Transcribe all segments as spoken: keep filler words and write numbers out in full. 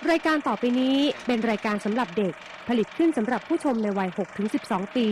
รายการต่อไปนี้เป็นรายการสำหรับเด็กผลิตขึ้นสำหรับผู้ชมในวัย หกถึงสิบสอง ปี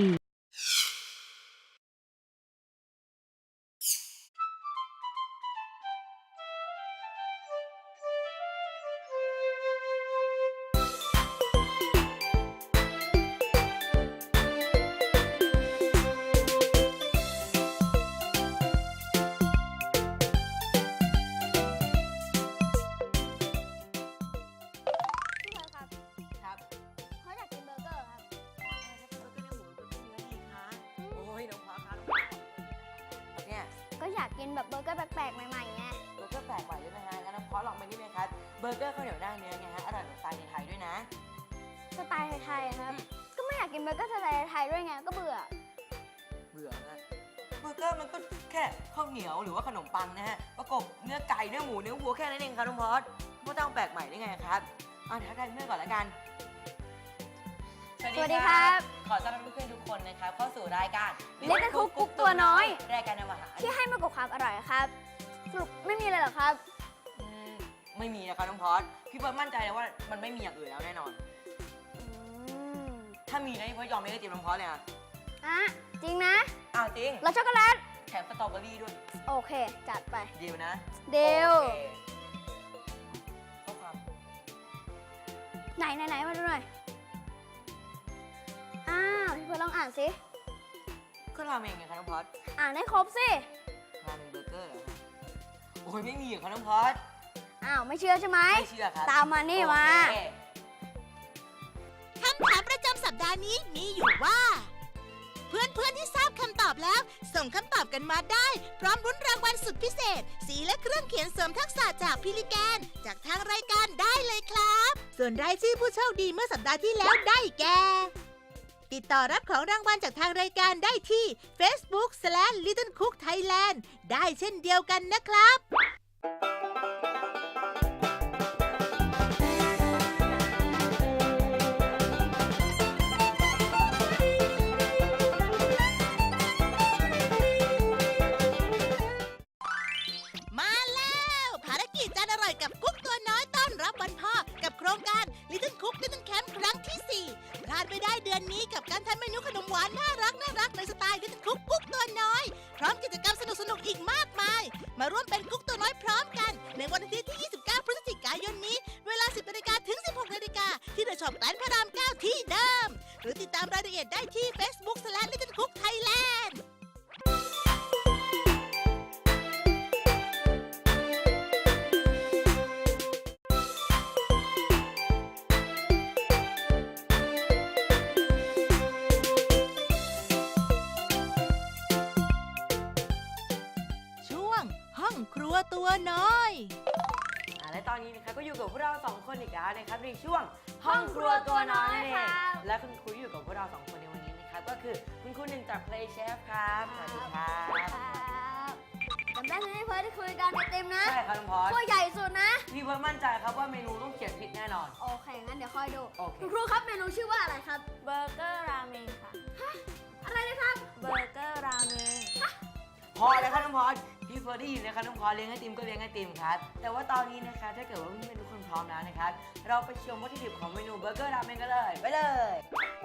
ก็อยากกินแบบเบอร์เกอร์แปลกๆใหม่ๆไงเบอร์เกอร์แปลกใหม่ใช่ไหมฮะงั้นน้องพอลองไปนี่ไหมครับเบอร์เกอร์ข้าวเหนียวหน้าเนื้อไงฮะอร่อยแบบสไตล์ไทยๆด้วยนะสไตล์ไทยๆครับก็ไม่อยากกินเบอร์เกอร์สไตล์ไทยด้วยไงก็เบื่อเบื่อฮะเบอร์เกอร์มันก็แค่ข้าวเหนียวหรือว่าขนมปังนะฮะประกบเนื้อไก่เนื้อหมูเนื้อวัวแค่นั้นเองครับน้องพอสไม่ต้องแปลกใหม่ได้ไงครับอ่ะทักทายเพื่อนก่อนละกันสวัสดีครับขอต้อนรับเพื่อนๆทุกคนนะครับเข้าสู่รายการเล็กคุกกุ๊กตัวน้อยรายการนำอาหารที่ให้มากกว่าความอร่อยครับสรุปไม่มีเลยเหรอครับไม่มีนะครับน้องพอสพี่เบิร์ดมั่นใจเลยว่ามันไม่มีอย่างอื่นแล้วแน่นอนถ้ามีนะพี่เบิร์ดยอมไม่ได้จิ้มน้องพอสเลยอ่ะอ่ะจริงนะอ้าวจริงรสช็อกโกแลตแถมสตรอเบอรี่ด้วยโอเคจัดไปดีลนะดีลข้อความไหนไหนไหนมาดูหน่อยอ้าวพี่เพิร์ลลองอ่านสิก็ราเมงไงครับน้องพอสอ่านให้ครบสิราเมงเบอร์เกอร์เหรอโอ้ยไม่มีครับน้องพอสอ้าวไม่เชื่อใช่ไหมไม่เชื่อครับตามมานี่มาคำถามประจำสัปดาห์นี้มีอยู่ว่าเพื่อนๆที่ทราบคำตอบแล้วส่งคำตอบกันมาได้พร้อมรุ้นรางวัลสุดพิเศษสีและเครื่องเขียนเสริมทักษะจากพิลิแกนจากทางรายการได้เลยครับส่วนรายชื่อผู้โชคดีเมื่อสัปดาห์ที่แล้วได้แก่ติดต่อรับของรางวัลจากทางรายการได้ที่ Facebook สแลช ลิตเติ้ลคุกไทยแลนด์ ได้เช่นเดียวกันนะครับมาแล้วภารกิจจานอร่อยกับกุ๊กตัวน้อยต้อนรับวันพ่อกับโครงการ Little Cook Little Camp ครั้งที่สี่พลาดไม่ได้เดือนนี้กับการทำเมนูขนมหวานน่ารักน่ารักในสไตล์ Little Cook กุ๊กตัวน้อยพร้อมกิจกรรมสนุกสนุกอีกมากมายมาร่วมเป็นกุ๊กตัวน้อยพร้อมกันในวันอาทิตย์ที่ ยี่สิบเก้า พฤศจิกายนนี้เวลา สิบนาฬิกาถึง สิบหกนาฬิกาที่เดอะช็อปแกรนด์พระรามเก้าที่เดิมหรือติดตามรายละเอียดได้ที่ Facebook สแลช ลิตเติ้ลคุกไทยแลนด์ห้องครัวตัวน้อยอ่าและตอนนี้นะครับก็อยู่กับพวกเราสองคนอีกแล้วนะครับในช่วงห้องครัวตัวน้อยนั่นเองและคุณครูอยู่กับพวกเราสองคนในวันนี้นะครับก็คือคุณครูหนึ่งจาก Play Chef ครับสวัสดีครับจำได้ไหมพี่เพิร์ลที่คุยกันไอติมนะใช่ครับน้องพอสตัวใหญ่สุดนะพี่เพิร์ลมั่นใจครับว่าเมนูต้องเขียนผิดแน่นอนโอเคงั้นเดี๋ยวคอยดูคุณครูครับเมนูชื่อว่าอะไรครับเบอร์เกอร์ราเมงค่ะฮะอะไรนะครับเบอร์เกอร์ราเมงพอแล้วครับน้องพอสพี่เฟิร์สได้ยินนะครับน้องพอสเลี้ยงไอติมก็เลี้ยงไอติมครับแต่ว่าตอนนี้นะคะถ้าเกิดว่าเพื่อนๆทุกคนพร้อมแล้วนะครับเราไปชมวัตถุดิบของเมนูเบอร์เกอร์ราเมงกันเลยไปเลย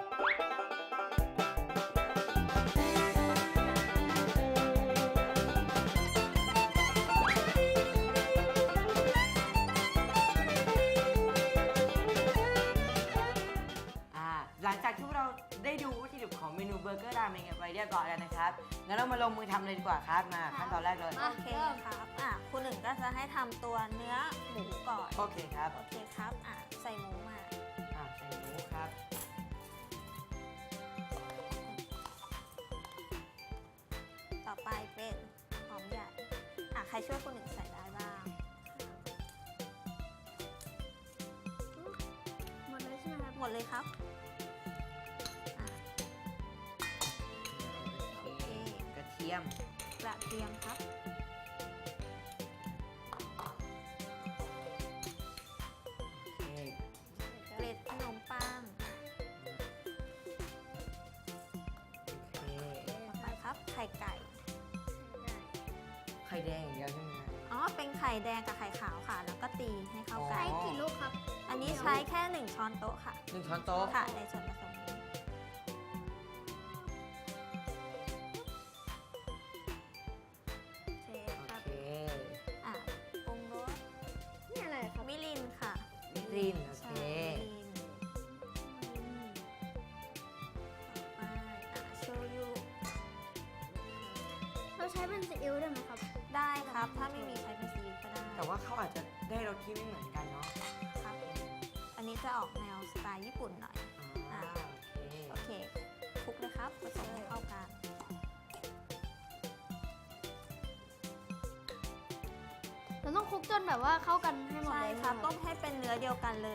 หลังจากที่เราได้ดูวัตถุดิบของเมนูเบอร์เกอร์ราเมงกันไปเรียบร้อยแล้วนะครับงั้นเรามาลงมือทำเลยดีกว่าครับมาขั้นตอนแรกเลยโอเคครับอ่ะคุณหนึ่งก็จะให้ทำตัวเนื้อหมูก่อนโอเคครับโอเคครับอ่ะใส่หมูมาอ่ะใส่หมูครับต่อไปเป็นหอมใหญ่อ่ะใครช่วยคุณหนึ่งใส่ได้บ้างหมดเลยใช่ไหมครับหมดเลยครับกระเทียมกระเทียมครับเกล็ดขนมปังต่อไปครับไข่ไก่ไข่แดงอย่างเดียวใช่ไหมอ๋อเป็นไข่แดงกับไข่ขาวค่ะแล้วก็ตีให้เข้ากันใช้กี่ลูกครับอันนี้ใช้แค่หนึ่งช้อนโต๊ะค่ะหนึ่งช้อนโต๊ะค่ะในส่วนผสมนี้โอเคโอครับเคอ่ะปรุงรสนี่อะไรครับมิรินค่ะมิรินโอใช่เคมิรินต่อไปอ่ะโชยุเราใช้เป็นซีอิ๊วได้ไหมครับได้ครับ ถ้าไม่มีใช้เป็นซีอิ๊วก็ได้แต่ว่าเขาอาจจะได้รสที่ไม่เหมือนกันเนาะครับ อันนี้จะออกแนวสไตล์ญี่ปุ่นหน่อยอ่าโอเคโอเคคลุกเลยครับผสมให้เข้ากันเราต้องคลุกจนแบบว่าเข้ากันให้หมดใช่เลยครับใช่ไหมต้มให้เป็นเนื้อเดียวกันเลย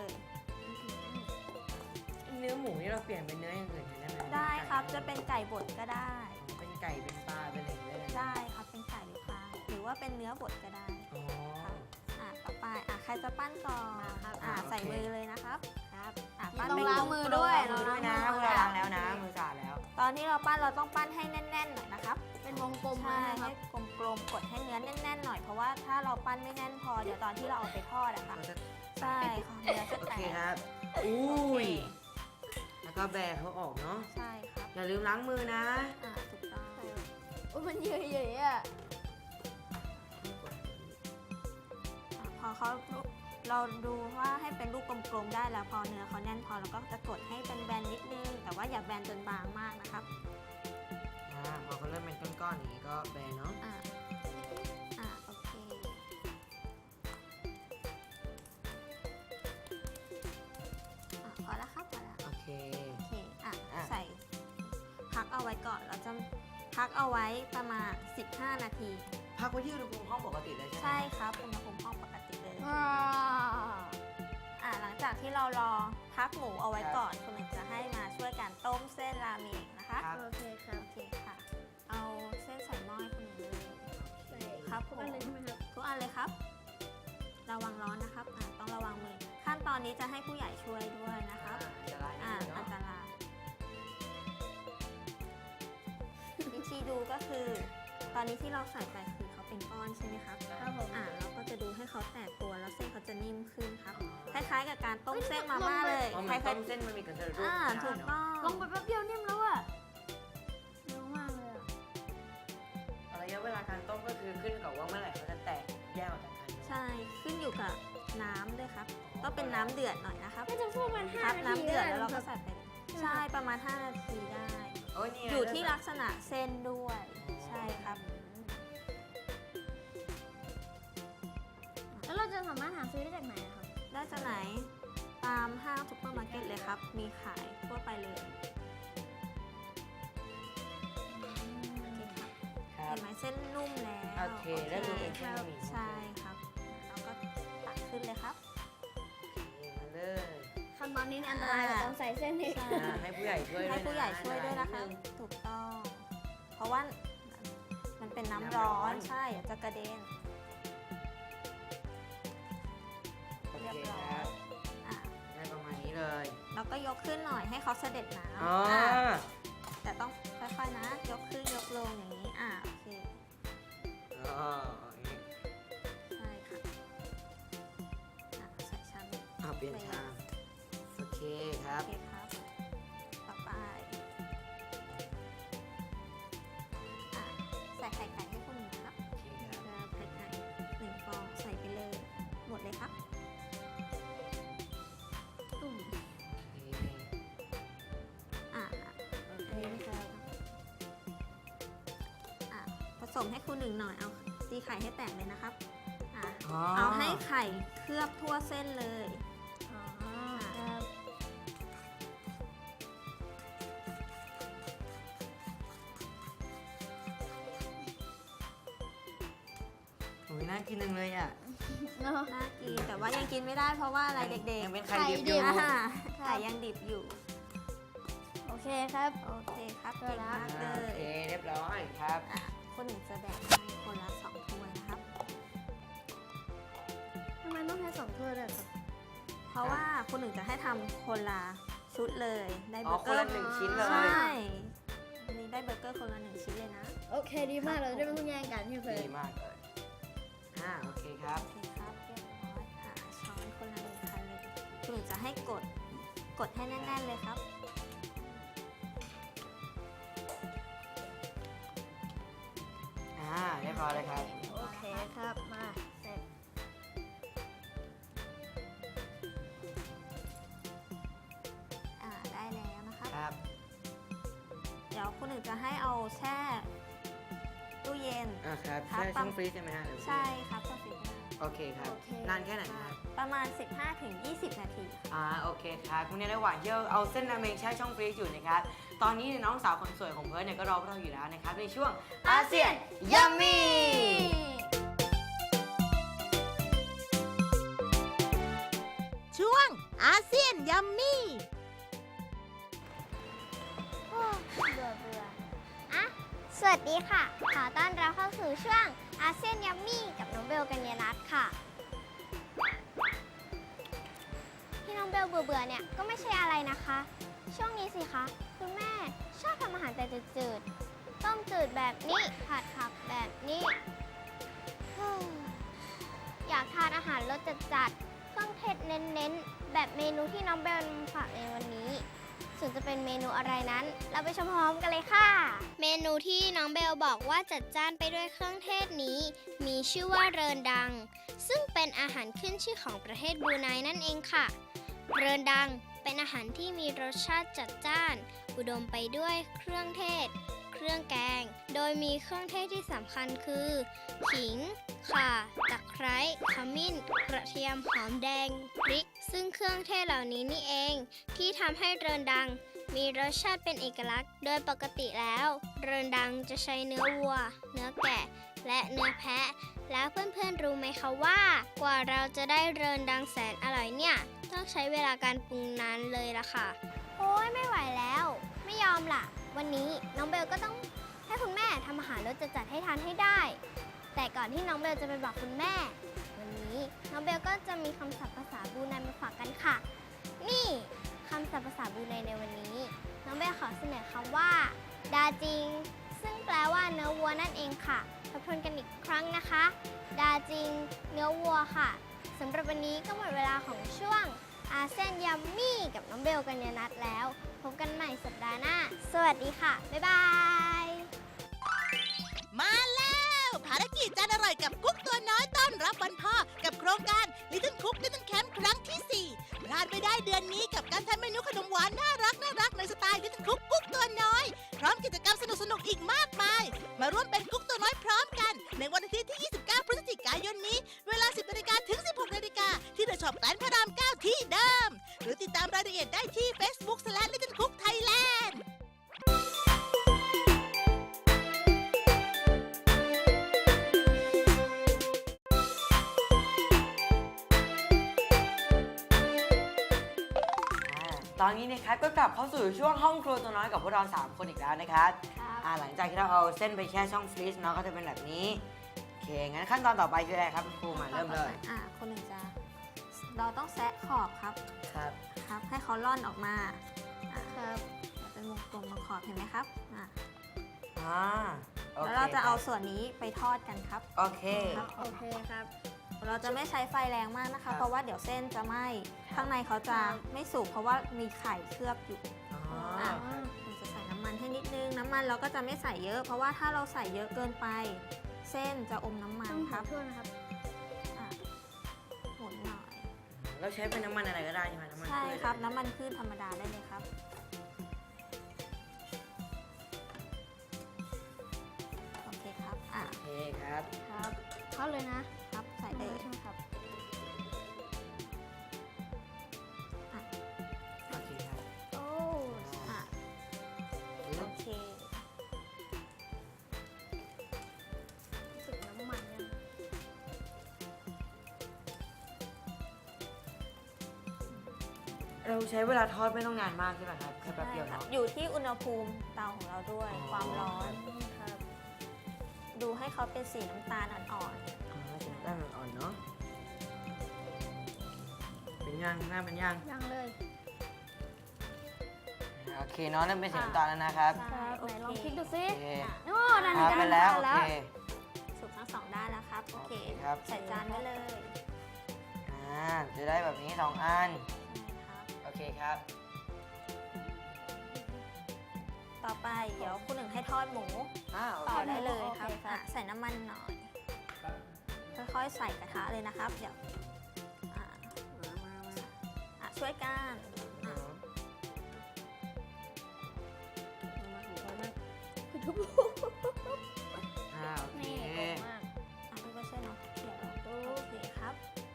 เนื้อหมูนี่เราเปลี่ยนเป็นเนื้ออย่างอื่นได้ไหมได้ครับ จะเป็นไก่บดก็ได้เป็นไก่เป็นปลาเป็นอะไรอย่างเงี้ยได้ไหมได้ครับ เป็นไก่หรือปลา หรือว่าเป็นเนื้อบดก็ได้อ๋ออ่ะต่อไป อ่ะใครจะปั้นก่อนครับอ่ะโอเคใส่มือเลยนะครับ ครับ อ่ะต้ปั้นองไปล้างมือด้วยล้างมือด้วยนะเราเวลาล้างแล้วนะ มือสะอาดแล้วตอนที่เราปั้นเราต้องปั้นให้แน่นๆหน่อยนะครับเป็นวงกลมใช่นะครัให้บกลมๆ กดให้เนื้อแน่นๆหน่อย เพราะว่าถ้าเราปั้นไม่แน่นพอ เดี๋ยวตอนที่เราเอาไปทอดอะค่ะเราจะใช่ค่ะเนื้อจะโอแตเคกครับ อุ้โอเคย แล้วก็แบะเขาออกเนาะใช่ครับอย่าลืมล้างมือนะอ่าถูกต้องโอ้ยมันเยอะๆอ่ะอ่ะพอเขาเราดูว่าให้เป็นลูกกลมๆได้แล้ว พอเนื้อเขาแน่นพอเราก็จะกดให้เป็นแบนๆนิดนึง แต่ว่าอย่าแบนจนบางมากนะครับอ่า พอเขาเริ่มเป็นก้อนๆอย่างนี้ก็แบะเนาะอ่า อ่า โอเค อ่ะพอแล้วครับ พอแล้วโอเคโอเค อ่ะอ่ะใส่ พักเอาไว้ก่อน เราจะพักเอาไว้ประมาณ สิบห้า นาทีพักไว้ที่อุณหภูมิห้องปกติเลยใช่ไหมใช่ครับอุณหภูมิห้องปกติเลยว้าวอ่ะหลังจากที่เรารอพักหมูเอาไว้ก่อนคุณหนึ่งจะให้มาช่วยกันต้มเส้นราเมงนะคะครับโอเคครับโอเคค่ะ เอาเส้นใส่หม้อให้คุณหนึ่งเลยใส่ครับทุกอันเลยใช่ไหมครับทุกอันเลยครับ ระวังร้อนนะครับอ่ะต้องระวังมือ ขั้นตอนนี้จะให้ผู้ใหญ่ช่วยด้วยนะครับอ่าอันตรายนิดอ่านึงอันเนาะตราย วิธีดูก็คือ ตอนนี้ที่เราใส่ไปคือเขาเป็นก้อนใช่ไหมครับครับผมอ่าเราก็จะดูให้เขาแตกตัวแล้วเส้นเขาจะนิ่มขึ้นครับ คล้ายๆกับการต้มเส้นมาม่าเลยอ๋อเหคมือนล้าต้ยมเส้นมันมีกระเทียมๆรูปอ่านะถูกเนาะต้องลงไปแป๊บเดียวนิ่มแล้วอ่ะเร็วมากเลยอ่ะระยะเวลาการต้มก็คือขึ้นกับว่าเมื่อไหร่เขาจะแตกแยกออกจากกันเนอะใช่ ขึ้นอยู่กับน้ำด้วยครับ ต้องเป็นน้ำเดือดหน่อยนะครับน่าจะพูดมันห้าครับนาน้ำทีเดือดได้แล้วเราคก็รับใส่ไปเลยใช่ ประมาณ ห้า นาทีได้โอ้ยนี่ไงอยู่ที่เริ่มลักษณะเส้นด้วย ใช่ครับแล้วเราจะสามารถหาซื้อได้จากไหนอะครับได้จากไหน ตามห้างซุปเปอร์มาร์เก็ตเลยครับ มีขายทั่วไปเลยครับเห็นไหมเส้นนุ่มแล้วโอเคได้ดูเป็นเส้นบะหมี่ใช่ครับแล้วก็ตักขึ้นเลยครับมาเลยขั้นตอนนี้เนี่ยอันตรายกว่าตอนใส่เส้นอีกใช่อ่าให้ผู้ใหญ่ช่วยด้วยนะให้ผู้ใหญ่ช่วยด้วยนะคะอันตรายนิดนึงถูกต้อง เพราะว่ามันเป็นน้ำน้ำร้ร้ออน น ใช่เดี๋ยวจะกระเด็นโอเรียบเคร้อครัยบอ่ะได้ประมาณนี้เลยแล้วก็ยกขึ้นหน่อยให้เขาเสด็จน้ำอ๋ออ่ะแต่ต้องค่อยๆนะ ยกขึ้นยกลงอย่างนี้ อ่ะโอเคอ๋ออย่างนี้ใช่ค่ะอ่ะใส่ชามอ่าเปลี่ยนชามโอเคครัโอบ เคครับ ต่อไปอ่ะใส่ไข่ไก่ให้คุณหนึ่งนะครับโอเคครับแล้วไข่ไก่หนึ่งฟองใส่ไปเลย หมดเลยครับตุ่มโอเคอ่ะโออันเคนี้นะครับอ่ะผสมให้คุณหนึ่งหน่อย เอาตีไข่ให้แตกเลยนะครับอ่ะอ๋อเอาให้ไข่เคลือบทั่วเส้นเลยอ๋อครับโอ้ยน่ากินจังเลยอ่ะเนาะน่ากิน แต่ว่ายังกินไม่ได้เพราะว่าอะไรเด็กยังๆเป็นไข่ดิบอยู่อ่าไข่ยังดิบอยู่โอเคครับโอเคครับได้เก่งแล้วมากเลอ่าโอย เคเรียบร้อยครับอ่ะคนหนึ่งจะแบ่งให้คนละสองถ้วยนะครับทำไมต้องใช้สองถ้วยด้วยครับเพราะว่าคนหนึ่งจะให้ทำคนละชุดเลย ได้อ๋เบออร์คเกนอละร์หนึ่งชิ้นเลใช่ยอันนี้ได้เบอร์เกอร์คนละหนึ่งชิ้นเลยนะโอเคดีมากเลยได้ไม่ต้องแย่งกันพี่เฟิร์ดีนมากเลย อ่า โอเคครับโอเคครับเรียบร้อยอ่ะช้อนคนละหนึ่งคันเลยคุณหนึ่งจะให้กดกดให้แน่นๆเลยครับอ่าเรียบร้อยเลยครับโอเคครับ มาเสร็จอ่าได้แล้วนะครับครับเดี๋ยวคุณหนึ่งจะให้เอาแช่ตู้เย็นอ่าครับครับใช่ช่องฟรีซใช่ไหมฮะหรือใช่ครับต้องฟิตนะโอเคครับโอเคนานแค่ไหนครับประมาณ สิบห้าถึงยี่สิบ นาทีอ่าโอเคครับคุณในระหว่างที่เราเอาเส้นราเมงแช่ช่องฟรีซอยู่นะครับ ตอนนี้เนี่ยน้องสาวคนสวยของเพิร์ดเนี่ยก็รอพวกเราอยู่แล้วนะครับในช่วงอาเซียนยัมมี่ช่วงอาเซียนยัมมี่โอ้เบื่อเบื่ออ่ะ สวัสดีค่ะ ขอต้อนรับเข้าสู่ช่วงอาเซียนยัมมี่กับน้องเบลกัญญานัทค่ะ ที่น้องเบลเบื่อเบื่อๆเนี่ยก็ไม่ใช่อะไรนะคะ ช่วงนี้สิคะคุณแม่ชอบทำอาหารแต่จืดๆ ต้มจืดแบบนี้ ผัดผักแบบนี้ เฮ้ยอยากทานอาหารรสจัดๆ เครื่องเทศเน้นๆ แบบเมนูที่น้องเบลนำมาฝากในวันนี้ ส่วนจะเป็นเมนูอะไรนั้น เราไปชมพร้อมกันเลยค่ะ เมนูที่น้องเบลบอกว่าจัดจ้านไปด้วยเครื่องเทศนี้ มีชื่อว่าเรินดัง ซึ่งเป็นอาหารขึ้นชื่อของประเทศบรูไนนั่นเองค่ะ เรินดังเป็นอาหารที่มีรสชาติจัดจ้าน อุดมไปด้วยเครื่องเทศ เครื่องแกง โดยมีเครื่องเทศที่สำคัญคือ ขิง ข่า ตะไคร้ ขมิ้น กระเทียม หอมแดง พริก ซึ่งเครื่องเทศเหล่านี้นี่เอง ที่ทำให้เรินดัง มีรสชาติเป็นเอกลักษณ์ โดยปกติแล้ว เรินดังจะใช้เนื้อวัว เนื้อแกะ และเนื้อแพะ แล้วเพื่อนๆรู้ไหมคะว่า กว่าเราจะได้เรินดังแสนอร่อยเนี่ย ต้องใช้เวลาการปรุงนานเลยล่ะค่ะ โอ้ยไม่ไหวแล้ว ไม่ยอมล่ะ วันนี้น้องเบลก็ต้องให้คุณแม่ทำอาหารรสจัดๆให้ทานให้ได้ แต่ก่อนที่น้องเบลจะไปบอกคุณแม่ วันนี้น้องเบลก็จะมีคำศัพท์ภาษาบรูไนมาฝากกันค่ะ นี่คำศัพท์ภาษาบรูไนในวันนี้ น้องเบลขอเสนอคำว่า ดาจิง ซึ่งแปลว่าเนื้อวัวนั่นเองค่ะทบทวนกันอีกครั้งนะคะ ดาจิง เนื้อวัวค่ะสำหรับวันนี้ก็หมดเวลาของช่วงอาเซียนยัมมี่กับน้องเบลกัญญานัทแล้ว พบกันใหม่สัปดาห์หน้า สวัสดีค่ะ บ๊ายบายมาแล้วภารกิจจานอร่อยกับกุ๊กตัวน้อยต้อนรับวันพ่อกับโครงการ Little Cook Little Camp ครั้งที่สี่พลาดไม่ได้เดือนนี้กับการทำเมนูขนมหวานน่ารักน่ารักในสไตล์ Little Cook กุ๊กตัวน้อยพร้อมกิจกรรมสนุกสนุกๆอีกมากมายมาร่วมเป็นกุ๊กตัวน้อยพร้อมกันในวันอาทิตย์ที่ ยี่สิบเก้า พฤศจิกายนนี้เวลา สิบนาฬิกาถึง สิบหกนาฬิกาที่เดอะช็อปแกรนด์พระรามเก้าที่เดิมหรือติดตามรายละเอียดได้ที่ Facebook slash Little Cook Thailand ตอนนี้นะครับก็กลับเข้าสู่ช่วงห้องครัวตัวน้อยกับพวกเราสามคนอีกแล้วนะครับอ่าหลังจากที่เราเอาเส้นไปแช่ช่องฟรีซเนาะก็จะเป็นแบบนี้โอเคงั้นขั้นตอนต่อไปคืออะไรครับคุณครูมาเริ่มเลยอ่าคนหนึ่งจะเราต้องแซะขอบครับครับครับ ให้เขาล่อนออกมาอ่าครับเป็นวงกลมตรงขอบเห็นไหมครับอ่าอ่าโอเคแล้วเราจะเอาส่วนนี้ไปทอดกันครับโอเคครับโอเคครับ เราจะไม่ใช้ไฟแรงมากนะครัคะบเพราะว่าเดี๋ยวเส้นจะไหม้ครับข้างในเขาจะไม่สุกเพราะว่ามีไข่เคลือบอยู่อ๋ออ่ะเราจะใส่น้ำมันให้นิดนึง น้ำมันเราก็จะไม่ใส่เยอะ เพราะว่าถ้าเราใส่เยอะเกินไป เส้นจะอมน้ำมันครับโทษนะครับอ่ะหมุนหน่อยเราใช้เป็นน้ำมันอะไรก็ได้ใช่ไหมน้ำมันใช่พืชครับ น้ำมันพืชธรรมดาได้เลยครับ โอเคครับอ่ะโอเคครับครับเข้าเลยนะครับใส่เลยใช่ไหมครับโอเคครับโอ้อ่ะโอเครู้สึกน้ำมันเนี่ยเราใช้เวลาทอดไม่ต้องนานมากใช่ไหมครับแค่แป๊บเดียวใช่ครับเนาะอยู่ที่อุณหภูมิเตาของเราด้วยอ๋อความร้อนครับ ดูให้เขาเป็นสีน้ำตาลอ่อนอ๋อสีน้ำตาลอ่อนๆเนาะเป็นย่างหน้าเป็นย่างยังเลยโอเคเนาะเริ่มเป็นสีน้ำตาลแล้วนะครับๆครับโอไหนเคลองพลิกดูซิโอเคโอ้นั่นครับจะเป็นแล้วโอแล้วเคสุกทั้งสองด้านแล้วครับ โอเคโอเคครับใส่จานไว้เลยอ่าจะได้แบบนี้สองอันใช่เคครับต่อไปเดี๋ยวคุณหนึ่งให้ทอดหมูอ่าโอต่เคอได้เลยครับโอเคครับอ่ะใส่น้ำมันหน่อย ค่อยๆใส่กระทะเลยนะครับ เดี๋ยวอ่ะอ่ะช่วยกันอ่ะอ่าโอเคนี่โกงมากอ่ะพี่ก็ช่วยเนาะเดี๋ยวโอเคครับ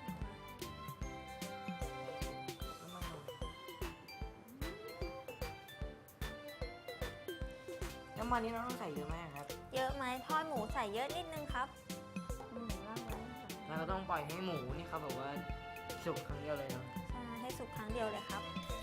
น้ำมันนี้เราต้องใส่เยอะไหมครับเยอะไหมทอดหมูใส่เยอะนิดนึงครับเราก็ต้องปล่อยให้หมูนี่เขาแบบว่าสุกครั้งเดียวเลยเนาะใช่ให้สุกครั้งเดียวเลยครับ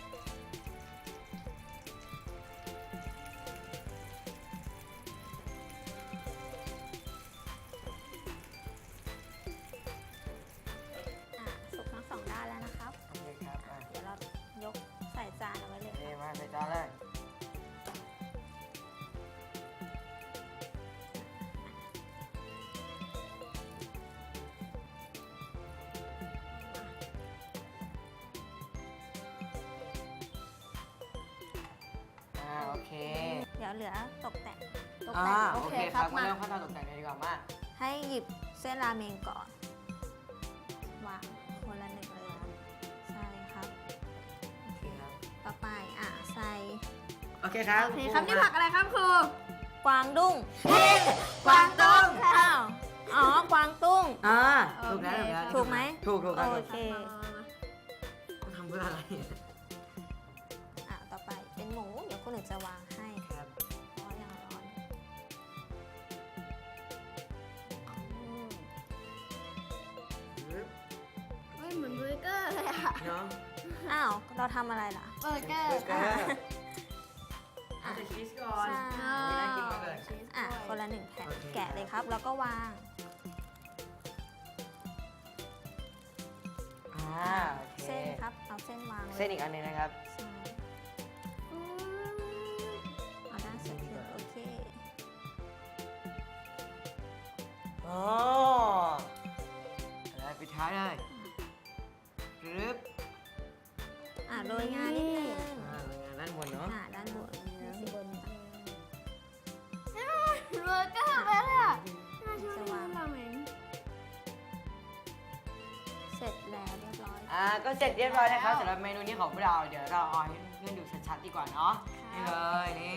อ่ะสุกทั้งสองด้านแล้วนะครับโอเคครับอ่ะเดี๋ยวเรายกใส่จานเอาไว้เลยเอ้มาใส่จานเลย อ่าโอเคเดี๋ยวเหลือตกแต่งตกอ่าแต่งโอเคครับมาเริ่มขั้นตอนตกแต่งเลยดีกว่ามาให้หยิบเส้นราเมงก่อน วางคนละหนึ่งเลย ใช่ครับ โอเค ต่อไปอ่ะใส่โอเคครับโอเคครับนี่ผักอะไรครับครูกวางดุ้งกวางตุ้งอ้าวอ๋อกวางตุ้งอ่าถูกแล้วถูกแล้วถูกไหมถูกถูกครับโอเคทำเพื่ออะไรอ่ะต่อไปเป็นหมู เดี๋ยวคุณหนึ่งจะวางให้ครับเพราะยังร้อนเฮ้ยเหมือนเบอร์เกอร์เลยอะเนาะอ้าว เราทำอะไรล่ะเบอร์เกอร์เบอร์เกอร์เอาแต่ชีสก่อนใช่ไม่น่ากินมากเลยอ่ะ คนละหนึ่งแผ่นโอเคแกะเลยครับ แล้วก็วางอ่าโอเคเส้นครับ เอาเส้นวางเลยเส้นอีกอันหนึงนะครับใช่เอาด้านสุดเลยโอเคอ๋อแล้วปิดท้ายเลยกรึบอ่ะโรยงานนิดนึงอ่าเลยงานด้านบนเนาะอ่ะด้านบนบนเบอร์เกอร์ไปเลยอะน่าชอบจะกิวางนราเมงเสร็จแล้วเรียบร้อยอ่าก็เสร็จเรียบร้อยนะครับสำหรับเมนูนี้ของพวกเราเดี๋ยวเราเอาให้เพื่อนๆดูชัดๆดีกว่าเนาะนี่เลยนี่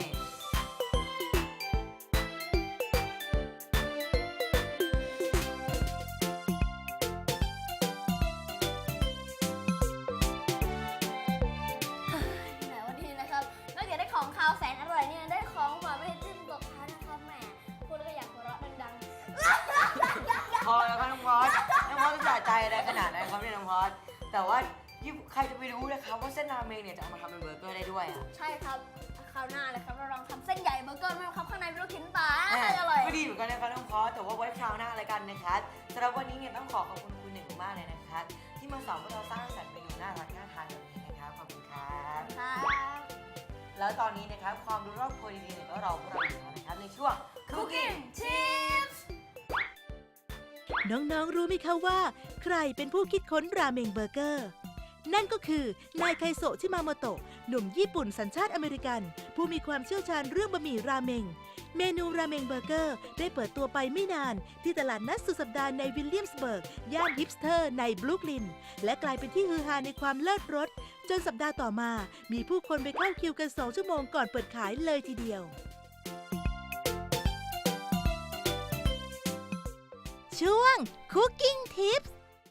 แต่วันนี้นะครับนอกจากได้ของคาวแสนอร่อยเนี่ยได้ของหวานไม่ได้จิ้มตกท้ายนะครับแหมพูดแล้วก็อยากหัวเราะดังพอแล้วครับน้องพอสน้องพอสจะสะใจอะไรขนาดนั้นครับเนี่ยน้องพอสแต่ว่าที่ใครจะไปรู้นะครับว่าเส้นราเมงเนี่ยจะเอามาทำเป็นเบอร์เกอร์ได้ด้วยอ่ะๆ ใช่ครับคราวหน้าเลยครับเราลองทำเส้นใหญ่เบอร์เกอร์ไหมครับข้างในเป็นลูกชิ้นปลาแหม่อร่อยก็ดีเหมือนกันนะครับน้องพอสแต่ว่าไว้คราวหน้าอะไรกันนะครับสำหรับวันนี้เนี่ยต้องขอขอบคุณคุณหนึ่งมากเลยนะครับที่มาสอนพวกเราสร้างสรรค์เมนูน่ารักน่าทานแบบนี้นะครับขอบคุณครับครับแล้วตอนนี้นะครับความรู้รอบครัวดีๆเนี่ยก็รอพวกเราอยู่แล้วนะครับในช่วง Cooking Tips น้องๆ รู้ไหมคะว่า ใครเป็นผู้คิดค้นราเมงเบอร์เกอร์ นั่นก็คือนายไคโซะชิมาโมโตะหนุ่มญี่ปุ่นสัญชาติอเมริกัน ผู้มีความเชี่ยวชาญเรื่องบะหมี่ราเมง เมนูราเมงเบอร์เกอร์ได้เปิดตัวไปไม่นาน ที่ตลาดนัดสุดสัปดาห์ในวิลเลียมสเบิร์ก ย่านฮิปสเตอร์ในบรูคลิน และกลายเป็นที่ฮือฮาในความเลิศรส จนสัปดาห์ต่อมา มีผู้คนไปเข้าคิวกันสองชั่วโมงก่อนเปิดขายเลยทีเดียว ช่วง Cooking Tips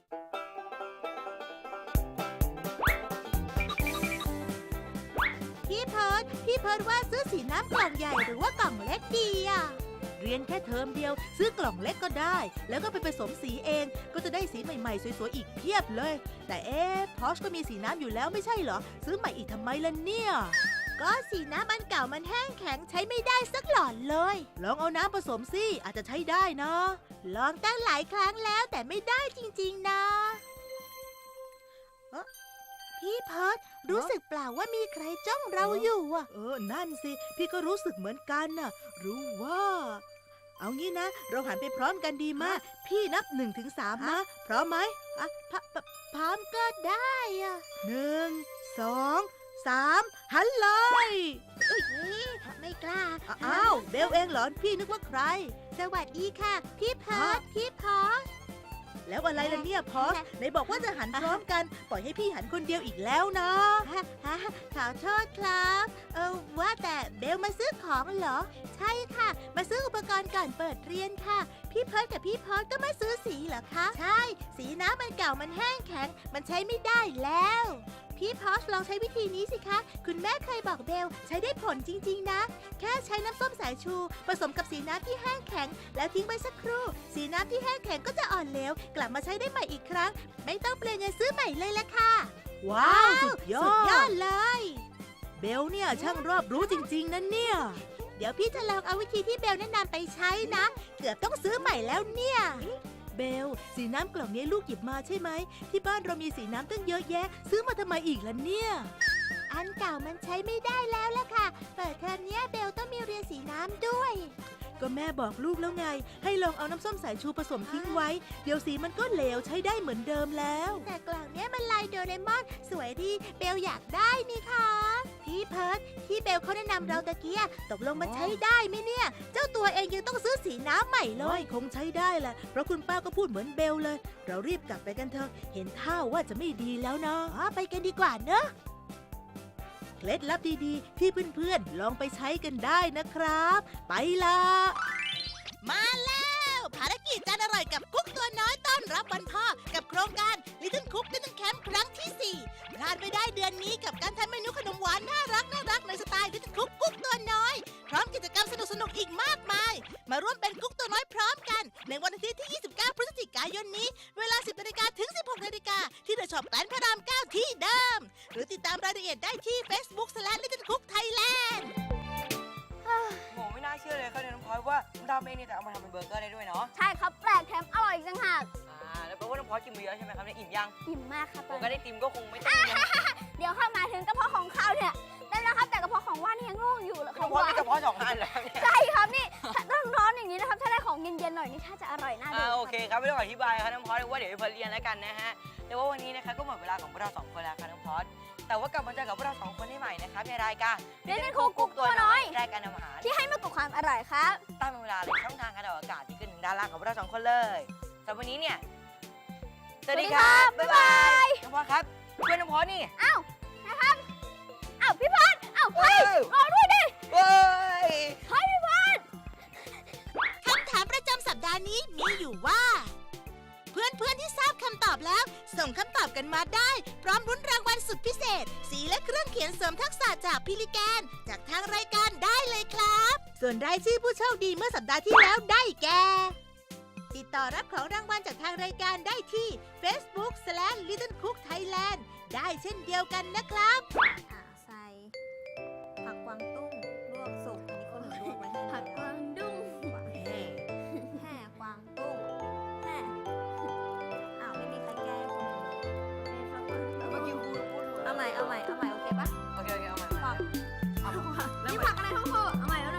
พี่เพิร์ดพี่เพิร์ดว่าซื้อสีน้ำกล่องใหญ่หรือว่ากล่องเล็กดีอ่ะ เรียนแค่เทอมเดียว ซื้อกล่องเล็กก็ได้ แล้วก็ไปผสมสีเอง ก็จะได้สีใหม่ๆ สวยๆ อีกเพียบเลย แต่เอ๊ะพอชก็มีสีน้ำอยู่แล้วไม่ใช่เหรอ ซื้อใหม่อีกทำไมล่ะเนี่ย ก็สีน้ำอันเก่ามันแห้งแข็งใช้ไม่ได้สักหลอดเลย ลองเอาน้ำผสมสิอาจจะใช้ได้นะ ลองตั้งหลายครั้งแล้วแต่ไม่ได้จริงๆนะเอ๊ะพี่เพิร์ดรู้สึกเปล่าว่ามีใครจ้องเราอยู่อ่ะ เออ นั่นสิ พี่ก็รู้สึกเหมือนกันน่ะ รู้ว่า เอางี้นะ เราหันไปพร้อมกันดีมาก พี่นับหนึ่งถึงสามนะ พร้อมไหมอ่ะพพพร้อมก็ได้อ่ะหนึ่งสองสามหันเลยไม่กล้าอ้าวเบลเองเหรอพี่นึกว่าใครสวัสดีค่ะพี่พอสพี่พอสแล้วอะไรล่ะเนี่ยพอสไหนบอกว่าจะหันพร้อมกันปล่อยให้พี่หันคนเดียวอีกแล้วนะขอโทษครับเออว่าแต่เบลมาซื้อของเหรอใช่ค่ะมาซื้ออุปกรณ์ก่อนเปิดเรียนค่ะพี่เพิร์ทกับพี่พอสก็มาซื้อสีเหรอคะใช่สีน้ำมันเก่ามันแห้งแข็งมันใช้ไม่ได้แล้วพี่พอสลองใช้วิธีนี้สิคะคุณแม่เคยบอกเบลใช้ได้ผลจริงๆนะแค่ใช้น้ำส้มสายชูผสมกับสีน้ำที่แห้งแข็งแล้วทิ้งไว้สักครู่สีน้ำที่แห้งแข็งก็จะอ่อนเหลวกลับมาใช้ได้ใหม่อีกครั้งไม่ต้องเปลี่ยนเงินซื้อใหม่เลยละค่ะว้าวสุดยอดสุดยอดเลยเบลเนี่ยช่างรอบรู้จริงๆนะเนี่ยเดี๋ยวพี่จะลองเอาวิธีที่เบลแนะนำไปใช้นะเกือบต้องซื้อใหม่แล้วเนี่ยเบลสีน้ำกล่องนี้ลูกหยิบมาใช่ไหมที่บ้านเรามีสีน้ำตั้งเยอะแยะซื้อมาทำไมอีกล่ะเนี่ยอันเก่ามันใช้ไม่ได้แล้วล่ะค่ะเปิดเทอมนี้เบลต้องมีเรียนสีน้ำด้วยก็แม่บอกลูกแล้วไงให้ลองเอาน้ำส้มสายชูผสมทิ้งไว้เดี๋ยวสีมันก็เหลวใช้ได้เหมือนเดิมแล้วแต่กล่องนี้มันลายโดเรมอนสวยดีเบลอยากได้นี่ค่ะพี่เพิร์ทที่เบลเขาแนะนำเราตะเกียตกลงมันใช้ได้ไหมเนี่ยเจ้าตัวเองยังต้องซื้อสีน้ำใหม่เลยคงใช้ได้แหละเพราะคุณป้าก็พูดเหมือนเบลเลยเรารีบกลับไปกันเถอะเห็นท่าว่าจะไม่ดีแล้วนะไปกันดีกว่าเนอะเคล็ดลับดีๆที่เพื่อนๆลองไปใช้กันได้นะครับไปละมาแล้วภารกิจจานอร่อยกับกุ๊กตัวน้อยต้อนรับวันพ่อกับโครงการ Little Cook Little Camp ครั้งที่สี่พลาดไม่ได้เดือนนี้กับการทำเมนูขนมหวานน่ารักน่ารักในสไตล์ Little Cook กุ๊กตัวน้อยพร้อมกิจกรรมสนุกๆอีกมากมายมาร่วมเป็นกุ๊กตัวน้อยพร้อมกันในวันอาทิตย์ที่ยี่สิบเก้าพฤศจิกายนนี้เวลา สิบนาฬิกาถึง สิบหกนาฬิกาที่เดอะช็อปแกลนพระรามเก้าที่เดิมหรือติดตามรายละเอียดได้ที่ Facebook slash Little Cook Thailand โหไม่น่าเชื่อเลยครับเนี่ยน้องพลอยว่าน้ำดำเองเนี่ยจะเอามาทำเป็นเบอร์เกอร์ได้ด้วยเนาะใช่ครับแปลกแถมอร่อยอีกต่างหากอ่าแล้วแปลว่าน้องพลอยกินมาเยอะใช่ไหมครับเนี่ยอิ่มยังอิ่มมากครับผมก็ได้ติมก็คงไม่ต้องยังเดี๋ยวเข้ามาถึงกระเพาะของข้าวเนี่ยได้แล้วครับแต่กระเพาะของว่านนี่ยังโล่งอยู่เลยคน้รัอบ งพลอยมีกระเพาะสองอันเหรอเนี่ยใช่ครับนี่ถ้าต้องร้อนอย่างนี้นะครับถ้าได้ของเย็นๆหน่อยนี่ถ้าจะอร่อยน่าดูอ่าโอเคครับไม่ต้องอธิบายครับน้องพลอยว่าเดี๋ยวไปเรียนแล้วกันนะฮะแต่ว่าวันนี้นะคะก็หมดเวลาของพวกเราสองคนแล้วครับน้องพลอยแต่ว่ากลับมาเจอกับพวกเราสองคนได้ใหม่นะครับในรายการ Little Cook กุ๊กตัวน้อยรายการทำอาหารที่ให้มากกว่าความอร่อยครับตามเวลาเลยช่องทางการออกอากาศที่ขึ้นถึงด้านล่างของพวกเราสองคนเลยสำหรับวันนี้เนี่ยสวัสดีครับบ๊ายบายน้องพลอยครับเพื่อนน้องพลอยนี่อ้าวนะครับอ้าวพี่พรอ้าวเฮ้ยรอด้วยดิเฮ้ยเฮ้ยพี่พรคำถามประจำสัปดาห์นี้มีอยู่ว่า เพื่อนๆที่ทราบคำตอบแล้ว ส่งคำตอบกันมาได้ พร้อมรุ้นรางวัลสุดพิเศษ สีและเครื่องเขียนเสริมทักษะจากพิลิแกนจากทางรายการได้เลยครับ ส่วนรายชื่อผู้โชคดีเมื่อสัปดาห์ที่แล้วได้แก่ ติดต่อรับของรางวัลจากทางรายการได้ที่ Facebook slash Little Cook Thailand ได้เช่นเดียวกันนะครับอ่าใส่ผักกวางตุ้งลวกสุกอันนี้คนหนึ่งลวกไว้ให้ผักกวางดุ้งแห่กวางตุ้งแห่อ้าวไม่มีใครแก้ให้คุณเลยเมื่อกี้พูดพูดเอาใหม่เอาใหม่เอาใหม่โอเคปะโอเคโอเคเอาใหม่ผักเอาใหม่นี่ผักอะไรทั้งคู่เอาใหม่แล้ว